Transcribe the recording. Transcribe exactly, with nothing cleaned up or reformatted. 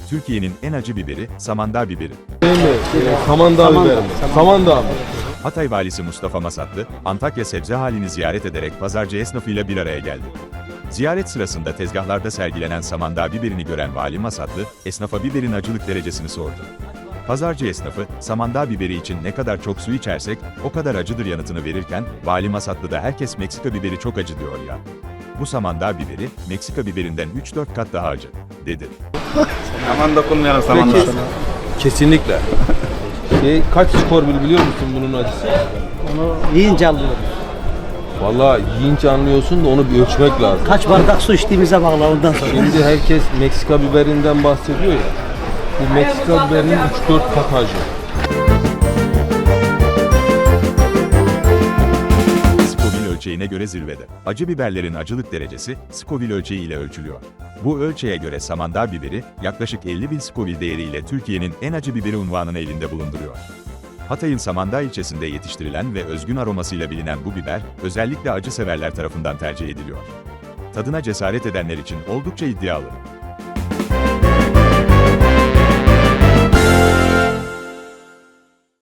Türkiye'nin en acı biberi, Samandağ biberi. Değil mi? Ee, Samandağ biberi mi? Samandağ mı? Hatay valisi Mustafa Masatlı, Antakya sebze halini ziyaret ederek pazarcı esnafıyla bir araya geldi. Ziyaret sırasında tezgahlarda sergilenen Samandağ biberini gören Vali Masatlı, esnafa biberin acılık derecesini sordu. Pazarcı esnafı, Samandağ biberi için ne kadar çok su içersek, o kadar acıdır yanıtını verirken, Vali Masatlı da herkes Meksika biberi çok acı diyor ya. Bu Samandağ biberi, Meksika biberinden üç dört kat daha acı, dedi. Aman dokunmayalım Samandağ. Peki, kesinlikle. Şey, kaç skor bil biliyor musun bunun acısı? Onu yiyince anlıyorum. Vallahi yiyince anlıyorsun da onu bir ölçmek lazım. Kaç bardak su içtiğimize bağlı ondan sonra. Şimdi herkes Meksika biberinden bahsediyor ya. Bu Meksika biberinin üç dört kat acı. Scoville ölçeğine göre zirvede. Acı biberlerin acılık derecesi, Scoville ölçeği ile ölçülüyor. Bu ölçeğe göre Samandağ biberi, yaklaşık elli bin Scoville değeriyle Türkiye'nin en acı biberi unvanını elinde bulunduruyor. Hatay'ın Samandağ ilçesinde yetiştirilen ve özgün aromasıyla bilinen bu biber, özellikle acı severler tarafından tercih ediliyor. Tadına cesaret edenler için oldukça iddialı.